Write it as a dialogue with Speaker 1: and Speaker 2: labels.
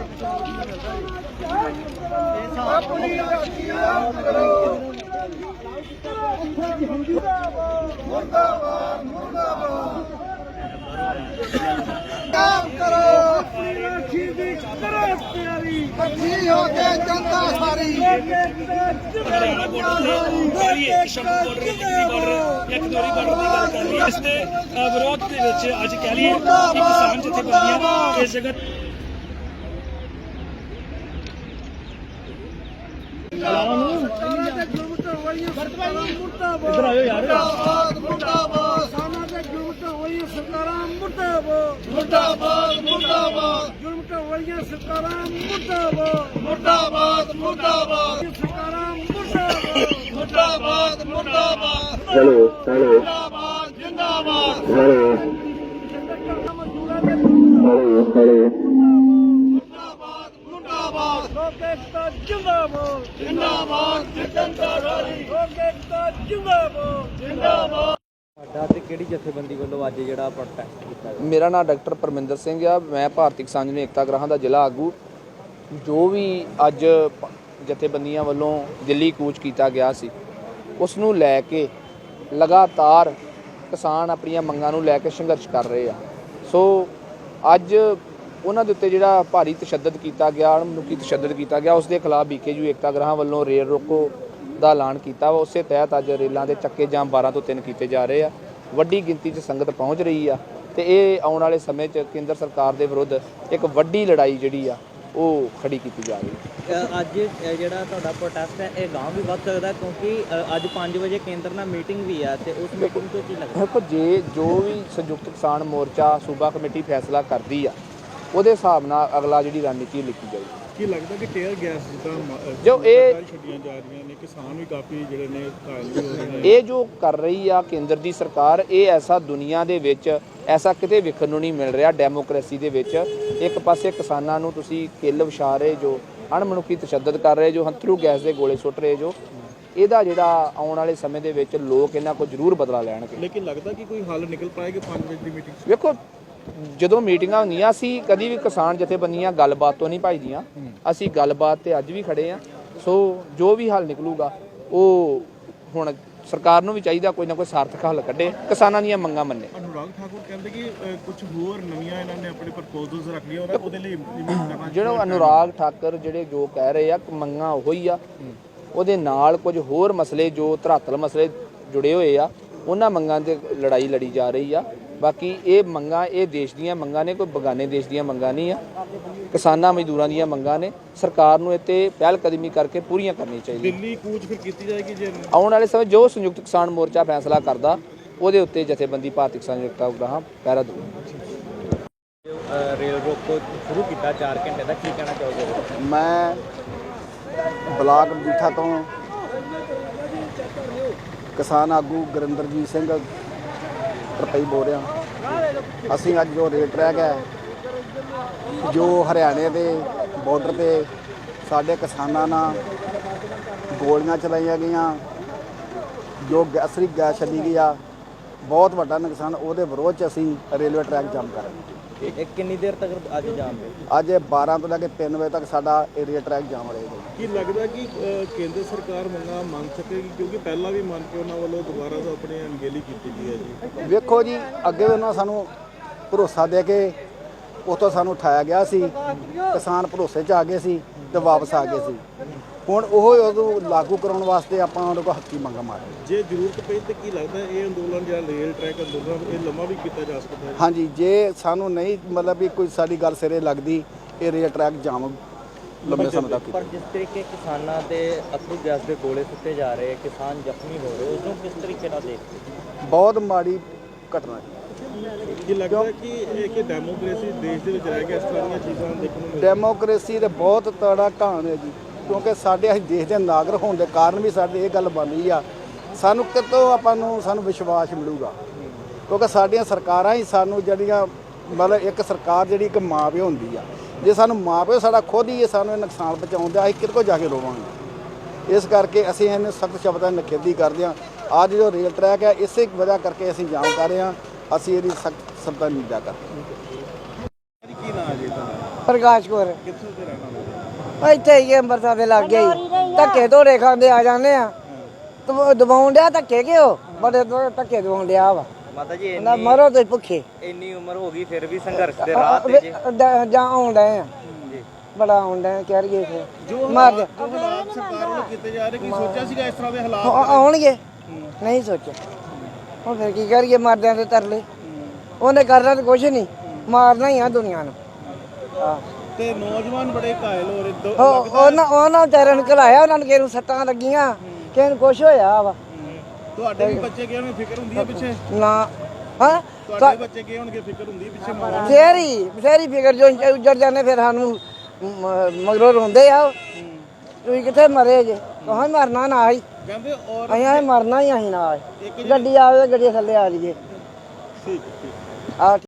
Speaker 1: काम करो अच्छी हो के जनता सारी
Speaker 2: ਵਿਰੋਧ ਦੇ ਵਿੱਚ ਅੱਜ ਕਹਿ ਲਈਏ ਕਿ ਕਿਸਾਨ ਜਥੇਬੰਦੀਆਂ ਇਸ ਜਗ੍ਹਾ इधर आयो यार
Speaker 1: मुर्दाबाद साना दे जुर्म होई सरकारां मुर्दाबाद मुर्दाबाद मुर्दाबाद जुर्म होई सरकारां मुर्दाबाद मुर्दाबाद मुर्दाबाद सरकारां मुर्दाबाद मुर्दाबाद मुर्दाबाद
Speaker 3: हेलो हेलो
Speaker 1: जिंदाबाद जिंदाबाद
Speaker 3: हेलो हेलो
Speaker 1: लोक एकता जिंदाबाद जिंदाबाद जनता सारी लोक एकता जिंदाबाद जिंदाबाद
Speaker 4: ਸਾਡਾ ਤੇ ਕਿਹੜੀ ਜਥੇਬੰਦੀ ਵੱਲੋਂ ਅੱਜ ਜਿਹੜਾ ਪ੍ਰੋਟੈਸਟ ਕੀਤਾ ਗਿਆ?
Speaker 5: ਮੇਰਾ ਨਾਮ ਡਾਕਟਰ ਪਰਮਿੰਦਰ ਸਿੰਘ ਆ। ਮੈਂ ਭਾਰਤੀ ਕਿਸਾਨ ਯੂਨੀਅਨ ਏਕਤਾ ਗ੍ਰਾਹਾਂ ਦਾ ਜ਼ਿਲ੍ਹਾ ਆਗੂ। ਜੋ ਵੀ ਅੱਜ ਜਥੇਬੰਦੀਆਂ ਵੱਲੋਂ ਦਿੱਲੀ ਕੂਚ ਕੀਤਾ ਗਿਆ ਸੀ, ਉਸ ਨੂੰ ਲੈ ਕੇ ਲਗਾਤਾਰ ਕਿਸਾਨ ਆਪਣੀਆਂ ਮੰਗਾਂ ਨੂੰ ਲੈ ਕੇ ਸੰਘਰਸ਼ ਕਰ ਰਹੇ ਆ। ਸੋ ਅੱਜ ਉਹਨਾਂ ਦੇ ਉੱਤੇ ਜਿਹੜਾ ਭਾਰੀ ਤਸ਼ੱਦਦ ਕੀਤਾ ਗਿਆ, ਮਨੁੱਖੀ ਤਸ਼ੱਦਦ ਕੀਤਾ ਗਿਆ, ਉਸ ਦੇ ਖਿਲਾਫ BKU ਏਕਤਾ ਗ੍ਰਾਹਾਂ ਵੱਲੋਂ ਰੇਲ ਰੋਕੋ ਦਾ ਐਲਾਨ ਕੀਤਾ ਵਾ। ਉਸੇ ਤਹਿਤ ਅੱਜ ਰੇਲਾਂ ਦੇ ਚੱਕੇ ਜਾਮ 12 ਤੋਂ 3 ਕੀਤੇ ਜਾ ਰਹੇ ਆ। ਵੱਡੀ ਗਿਣਤੀ 'ਚ ਸੰਗਤ ਪਹੁੰਚ ਰਹੀ ਆ ਤੇ ਇਹ ਆਉਣ ਵਾਲੇ ਸਮੇਂ 'ਚ ਕੇਂਦਰ ਸਰਕਾਰ ਦੇ ਵਿਰੁੱਧ ਇੱਕ ਵੱਡੀ ਲੜਾਈ ਜਿਹੜੀ ਆ ਉਹ ਖੜੀ ਕੀਤੀ ਜਾ ਰਹੀ ਹੈ।
Speaker 4: ਅੱਜ ਜਿਹੜਾ ਤੁਹਾਡਾ ਪ੍ਰੋਟੈਸਟ ਹੈ ਇਹ ਗਾਂਵ ਵੀ ਵੱਧ ਸਕਦਾ ਕਿਉਂਕਿ ਅੱਜ 5 ਵਜੇ ਕੇਂਦਰ ਨਾਲ ਮੀਟਿੰਗ ਵੀ ਆ ਤੇ ਉਸ ਮੀਟਿੰਗ ਤੋਂ ਕੀ ਲੱਗਦਾ?
Speaker 5: ਦੇਖੋ, ਜੋ ਵੀ ਸੰਯੁਕਤ ਕਿਸਾਨ ਮੋਰਚਾ ਸੂਬਾ ਕਮੇਟੀ ਫੈਸਲਾ ਕਰਦੀ ਆ, ਉਹਦੇ ਹਿਸਾਬ ਨਾਲ ਅਗਲਾ ਜਿਹੜੀ ਰਣਨੀਤੀ ਲਿਖੀ ਜਾਊਗੀ।
Speaker 2: ਕੀ ਲੱਗਦਾ ਕਿ ਟੇਅਰ ਗੈਸ ਜਿੱਦਾਂ
Speaker 5: ਜੋ ਇਹ
Speaker 2: ਛੱਡੀਆਂ ਜਾ ਰਹੀਆਂ ਨੇ, ਕਿਸਾਨ ਵੀ ਕਾਫੀ ਜਿਹੜੇ ਨੇ ਘਾਇਲ ਵੀ ਹੋ ਰਹੇ ਨੇ,
Speaker 5: ਇਹ ਜੋ ਕਰ ਰਹੀ ਆ ਕੇਂਦਰ ਦੀ ਸਰਕਾਰ, ਇਹ ਐਸਾ ਦੁਨੀਆ ਦੇ ਵਿੱਚ ਐਸਾ ਕਿਤੇ ਵੇਖਣ ਨੂੰ ਨਹੀਂ ਮਿਲ ਰਿਹਾ। ਡੈਮੋਕ੍ਰੇਸੀ ਦੇ ਵਿੱਚ ਇੱਕ ਪਾਸੇ ਕਿਸਾਨਾਂ ਨੂੰ ਤੁਸੀਂ ਕਿੱਲ ਵਿਛਾ ਰਹੇ ਜੋ, ਅਣਮਨੁੱਖੀ ਤਸ਼ੱਦਦ ਕਰ ਰਹੇ ਜੋ, ਹੰਥਰੂ ਗੈਸ ਦੇ ਗੋਲੇ ਸੁੱਟ ਰਹੇ ਜੋ, ਇਹਦਾ ਜਿਹੜਾ ਆਉਣ ਵਾਲੇ ਸਮੇਂ ਦੇ ਵਿੱਚ ਲੋਕ ਇਹਨਾਂ ਕੋਲ ਜ਼ਰੂਰ ਬਦਲਾ ਲੈਣਗੇ।
Speaker 2: ਲੇਕਿਨ ਲੱਗਦਾ ਕਿ ਕੋਈ ਹੱਲ ਨਿਕਲ ਪਾਏਗਾ 5 ਵਜੇ ਦੀ ਮੀਟਿੰਗ 'ਚ?
Speaker 5: ਵੇਖੋ, ਜਦੋਂ ਮੀਟਿੰਗਾਂ ਹੁੰਦੀਆਂ ਅਸੀਂ ਕਦੀ ਵੀ ਕਿਸਾਨ ਜਥੇਬੰਦੀਆਂ ਗੱਲਬਾਤ ਤੋਂ ਨਹੀਂ ਭੱਜਦੀਆਂ। ਅਸੀਂ ਗੱਲਬਾਤ ਤੇ ਅੱਜ ਵੀ ਖੜੇ ਆ। ਸੋ ਜੋ ਵੀ ਹੱਲ ਨਿਕਲੂਗਾ ਉਹ ਹੁਣ ਸਰਕਾਰ ਨੂੰ ਵੀ ਚਾਹੀਦਾ ਕੋਈ ਨਾ ਕੋਈ ਸਾਰਥਕ ਹੱਲ ਕੱਢੇ, ਕਿਸਾਨਾਂ ਦੀਆਂ ਮੰਗਾਂ ਮੰਨੇ।
Speaker 2: ਅਨੁਰਾਗ ਠਾਕੁਰ ਕਹਿੰਦੇ ਕਿ ਕੁਝ ਹੋਰ ਨਵੀਆਂ ਇਹਨਾਂ ਨੇ ਆਪਣੇ ਪ੍ਰਪੋਜ਼ਲਸ ਰੱਖ ਲਈਆਂ, ਉਹਦੇ ਲਈ
Speaker 5: ਜਿਹੜਾ ਅਨੁਰਾਗ ਠਾਕਰ ਜਿਹੜੇ ਜੋ ਕਹਿ ਰਹੇ ਆ ਮੰਗਾਂ ਉਹੋ ਹੀ ਆ, ਉਹਦੇ ਨਾਲ ਕੁਝ ਹੋਰ ਮਸਲੇ ਜੋ ਧਰਾਤਲ ਮਸਲੇ ਜੁੜੇ ਹੋਏ ਆ, ਉਹਨਾਂ ਮੰਗਾਂ ਤੇ ਲੜਾਈ ਲੜੀ ਜਾ ਰਹੀ ਆ। ਬਾਕੀ ਇਹ ਮੰਗਾਂ ਇਹ ਦੇਸ਼ ਦੀਆਂ ਮੰਗਾਂ ਨੇ, ਕੋਈ ਬਗਾਨੇ ਦੇਸ਼ ਦੀਆਂ ਮੰਗਾਂ ਨਹੀਂ ਆ। ਕਿਸਾਨਾਂ ਮਜ਼ਦੂਰਾਂ ਦੀਆਂ ਮੰਗਾਂ ਨੇ। ਸਰਕਾਰ ਨੂੰ ਇਹ 'ਤੇ ਪਹਿਲ ਕਦਮੀ ਕਰਕੇ ਪੂਰੀਆਂ ਕਰਨੀਆਂ ਚਾਹੀਦੀਆਂ।
Speaker 2: ਦਿੱਲੀ ਕੂਚ ਫਿਰ ਕੀਤੀ ਜਾਏਗੀ ਜੇ
Speaker 5: ਆਉਣ ਵਾਲੇ ਸਮੇਂ ਜੋ ਸੰਯੁਕਤ ਕਿਸਾਨ ਮੋਰਚਾ ਫੈਸਲਾ ਕਰਦਾ, ਉਹਦੇ ਉੱਤੇ ਜਥੇਬੰਦੀ ਭਾਰਤੀ ਕਿਸਾਨ ਏਕਤਾ ਗ੍ਰਾਹਾਂ ਪਹਿਰਾ ਦਊ।
Speaker 4: ਰੇਲ ਰੋਕੋ ਸ਼ੁਰੂ ਕੀਤਾ 4 ਘੰਟੇ ਦਾ, ਕੀ ਕਹਿਣਾ ਚਾਹੋਗੇ?
Speaker 6: ਮੈਂ ਬਲਾਕ ਮਜੀਠਾ ਤੋਂ ਕਿਸਾਨ ਆਗੂ ਗੁਰਿੰਦਰਜੀਤ ਸਿੰਘ ਰੁਪਈ ਬੋਲ ਰਿਹਾ। ਅਸੀਂ ਅੱਜ ਜੋ ਰੇਲ ਟਰੈਕ ਹੈ ਜੋ ਹਰਿਆਣੇ ਦੇ ਬਾਰਡਰ ਤੇ ਸਾਡੇ ਕਿਸਾਨਾਂ ਨਾਲ ਗੋਲੀਆਂ ਚਲਾਈਆਂ ਗਈਆਂ, ਜੋ ਅਸਲੀ ਗੈਸ ਛੱਡੀ ਗਈ ਆ, ਬਹੁਤ ਵੱਡਾ ਨੁਕਸਾਨ, ਉਹਦੇ ਵਿਰੋਧ 'ਚ ਅਸੀਂ ਰੇਲਵੇ ਟਰੈਕ ਜਾਮ ਕਰ ਰਹੇ।
Speaker 4: ਇਹ ਕਿੰਨੀ ਦੇਰ ਤੱਕ ਅੱਜ ਜਾਮ ਹੈ?
Speaker 6: ਅੱਜ 12 ਤੋਂ ਲੈ ਕੇ 3 ਵਜੇ ਤੱਕ ਸਾਡਾ ਏਰੀਆ ਟਰੈਕ ਜਾਮ ਰਹੇਗਾ।
Speaker 2: ਕੀ ਲੱਗਦਾ ਕਿ ਕੇਂਦਰ ਸਰਕਾਰ ਮੰਗਾਂ ਮੰਨ ਸਕੇਗੀ? ਕਿਉਂਕਿ ਪਹਿਲਾਂ ਵੀ ਮੰਨ ਕੇ ਉਹਨਾਂ ਵੱਲੋਂ ਦੁਬਾਰਾ ਤੋਂ ਆਪਣੀ ਅਣਗਹਿਲੀ ਕੀਤੀ ਗਈ ਹੈ ਜੀ।
Speaker 6: ਵੇਖੋ ਜੀ, ਅੱਗੇ ਵੀ ਉਹਨਾਂ ਸਾਨੂੰ ਭਰੋਸਾ ਦੇ ਕੇ ਉੱਥੋਂ ਸਾਨੂੰ ਉਠਾਇਆ ਗਿਆ ਸੀ, ਕਿਸਾਨ ਭਰੋਸੇ 'ਚ ਆ ਗਏ ਸੀ ਤੇ ਵਾਪਸ ਆ ਗਏ ਸੀ। ਹੁਣ ਉਹ ਉਦੋਂ ਲਾਗੂ ਕਰਾਉਣ ਵਾਸਤੇ ਆਪਾਂ ਉਹਨਾਂ ਕੋਲ ਹੱਕੀ ਮੰਗਾਂ ਮਾਰੀ।
Speaker 2: ਜੇ ਜ਼ਰੂਰਤ ਪਈ ਤਾਂ ਕੀ ਲੱਗਦਾ ਇਹ ਅੰਦੋਲਨ ਜਾਂ ਰੇਲ ਟਰੈਕ ਅੰਦੋਲਨ ਇਹ ਲੰਮਾ ਵੀ ਕੀਤਾ ਜਾ ਸਕਦਾ ਹੈ?
Speaker 6: ਹਾਂਜੀ, ਜੇ ਸਾਨੂੰ ਨਹੀਂ ਮਤਲਬ ਵੀ ਕੋਈ ਸਾਡੀ ਗੱਲ ਸਿਰੇ ਲੱਗਦੀ, ਇਹ ਰੇਲ ਟਰੈਕ ਜਾਮ ਲੰਬੇ ਸਮੇਂ ਤੱਕ।
Speaker 4: ਪਰ ਜਿਸ ਤਰੀਕੇ ਕਿਸਾਨਾਂ ਦੇ ਅਸਲੀ ਗੈਸ ਦੇ ਗੋਲੇ ਸੁੱਟੇ ਜਾ ਰਹੇ, ਕਿਸਾਨ ਜ਼ਖਮੀ ਹੋ ਰਹੇ, ਉਸ ਨੂੰ ਕਿਸ ਤਰੀਕੇ ਨਾਲ ਦੇਖਦੇ?
Speaker 6: ਬਹੁਤ ਮਾੜੀ ਘਟਨਾ ਹੈ।
Speaker 2: ਕੀ ਲੱਗਦਾ ਕਿ ਇਹ ਡੈਮੋਕ੍ਰੇਸੀ ਦੇਸ਼ ਦੇ ਵਿੱਚ ਰਹਿ ਕੇ ਇਸ ਤਰ੍ਹਾਂ ਦੀਆਂ ਚੀਜ਼ਾਂ ਦੇਖਣ ਨੂੰ ਮਿਲਦੀਆਂ?
Speaker 6: ਡੈਮੋਕ੍ਰੇਸੀ ਦੇ ਬਹੁਤ ਤੜਾ ਘਾਣ ਹੈ ਜੀ, ਕਿਉਂਕਿ ਸਾਡੇ ਅਸੀਂ ਦੇਸ਼ ਦੇ ਨਾਗਰਿਕ ਹੋਣ ਦੇ ਕਾਰਨ ਵੀ ਸਾਡੇ ਇਹ ਗੱਲ ਬਣ ਰਹੀ ਆ। ਸਾਨੂੰ ਕਿਤੋਂ ਸਾਨੂੰ ਵਿਸ਼ਵਾਸ ਮਿਲੂਗਾ, ਕਿਉਂਕਿ ਸਾਡੀਆਂ ਸਰਕਾਰਾਂ ਹੀ ਸਾਨੂੰ ਜਿਹੜੀਆਂ ਮਤਲਬ ਇੱਕ ਸਰਕਾਰ ਜਿਹੜੀ ਇੱਕ ਮਾਂ ਪਿਓ ਹੁੰਦੀ ਆ, ਜੇ ਸਾਨੂੰ ਮਾਂ ਪਿਓ ਸਾਡਾ ਖੁਦ ਹੀ ਸਾਨੂੰ ਇਹ ਨੁਕਸਾਨ ਪਹੁੰਚਾਉਂਦਾ, ਅਸੀਂ ਕਿਹਦੇ ਕੋਲ ਜਾ ਕੇ ਰੋਵਾਂਗੇ। ਇਸ ਕਰਕੇ ਅਸੀਂ ਇਹਨੂੰ ਸਖਤ ਸ਼ਬਦਾਂ ਨਾਲ ਨਿਖੇਧੀ ਕਰਦੇ ਹਾਂ। ਅੱਜ ਜੋ ਰੇਲ ਟਰੈਕ ਹੈ, ਇਸੇ ਵਜ੍ਹਾ ਕਰਕੇ ਅਸੀਂ ਜਾਮ ਕਰ ਰਹੇ ਹਾਂ। ਅਸੀਂ ਇਹਦੀ ਸਖਤ ਸ਼ਬਦਾਂ ਨਾਲ ਨਿੰਦਾ ਕਰਦੇ ਹਾਂ।
Speaker 2: ਕੀ ਨਾਮ ਹੈ ਜੀ ਤੁਹਾਡਾ?
Speaker 7: ਪ੍ਰਕਾਸ਼ ਕੌਰ
Speaker 2: ਕਿੱਥੋਂ ਦੇ ਰਹਿਣ ਵਾਲੇ?
Speaker 7: ਇੱਥੇ ਹੀ ਅੰਮ੍ਰਿਤਸਰ ਦੇ ਲੱਗ ਗਈ ਧੱਕੇ ਧੋਰੇ ਖਾਂਦੇ ਆ ਜਾਂਦੇ ਆ ਦਬਾਉਣ ਡਿਆ ਧੱਕੇ ਕਿਉਂ ਬੜੇ ਧੱਕੇ ਦਵਾਉਣ ਡਿਆ ਵਾ
Speaker 4: ਮਾਤਾ ਜੀ
Speaker 7: ਨਾ ਮਰੋ ਤੇ ਭੁੱਖੇ
Speaker 4: ਇੰਨੀ ਉਮਰ ਹੋ ਗਈ ਫਿਰ ਵੀ ਸੰਘਰਸ਼ ਦੇ ਰਾਹ ਤੇ ਜੀ
Speaker 7: ਜਾਂ ਆਉਣ ਡਏ ਆ ਬੜਾ ਆਉਣ ਡਏ ਕਹਿ ਰਹੀਏ ਫਿਰ ਮਾਰ ਦੇ
Speaker 2: ਹਾਲਾਤ ਸਰਕਾਰ ਵੱਲੋਂ ਕੀਤੇ ਜਾ ਰਹੇ, ਕੀ ਸੋਚਿਆ ਸੀਗਾ ਇਸ ਤਰ੍ਹਾਂ ਦੇ ਹਾਲਾਤ?
Speaker 7: ਆਉਣਗੇ ਨਹੀਂ ਸੋਚਿਆ ਹੁਣ ਫਿਰ ਕੀ ਕਰੀਏ ਮਰਦਿਆਂ ਦੇ ਤਰਲੇ ਉਹਨੇ ਕਰਨਾ ਤਾਂ ਕੁਛ ਨਹੀਂ ਮਾਰਨਾ ਹੀ ਆ ਦੁਨੀਆ ਨੂੰ
Speaker 2: ਤੇ ਨੌਜਵਾਨ ਬੜੇ ਘਾਇਲ ਹੋ ਰਹੇ
Speaker 7: ਉਹਨਾਂ ਵਿਚਾਰਿਆਂ ਨੂੰ ਘਲਾਇਆ ਉਹਨਾਂ ਨੂੰ ਕਿਸੇ ਨੂੰ ਸੱਟਾਂ ਲੱਗੀਆਂ ਕਿਸੇ ਨੂੰ ਕੁਛ ਹੋਇਆ ਵਾ
Speaker 2: ਤੁਹਾਡੇ ਵੀ ਬੱਚੇ ਗਏ ਹੋਣਗੇ, ਫਿਕਰ ਹੁੰਦੀ ਹੈ ਪਿੱਛੇ?
Speaker 7: ਨਾ ਹਾਂ
Speaker 2: ਤੁਹਾਡੇ ਬੱਚੇ ਗਏ ਹੋਣਗੇ, ਫਿਕਰ ਹੁੰਦੀ ਹੈ ਪਿੱਛੇ ਮਾਂ?
Speaker 7: ਬਥੇਰੀ ਫਿਕਰ ਜੋ ਉੱਜੜ ਜਾਂਦੇ ਫਿਰ ਸਾਨੂੰ ਮਗਰੋਂ ਰੋਂਦੇ ਆ ਤੁਸੀਂ ਕਿੱਥੇ ਮਰੇ ਜੇ ਕਹਾਂ ਮਰਨਾ ਨਾ ਹੀ
Speaker 2: ਕਹਿੰਦੇ ਔਰ
Speaker 7: ਅਸੀਂ ਮਰਨਾ ਹੀ ਅਸੀਂ ਨਾਲ ਗੱਡੀ ਆਵੇ ਗੱਡੀ ਥੱਲੇ ਆ ਲਈਏ
Speaker 2: ਠੀਕ ਹੈ, ਠੀਕ
Speaker 7: ਆ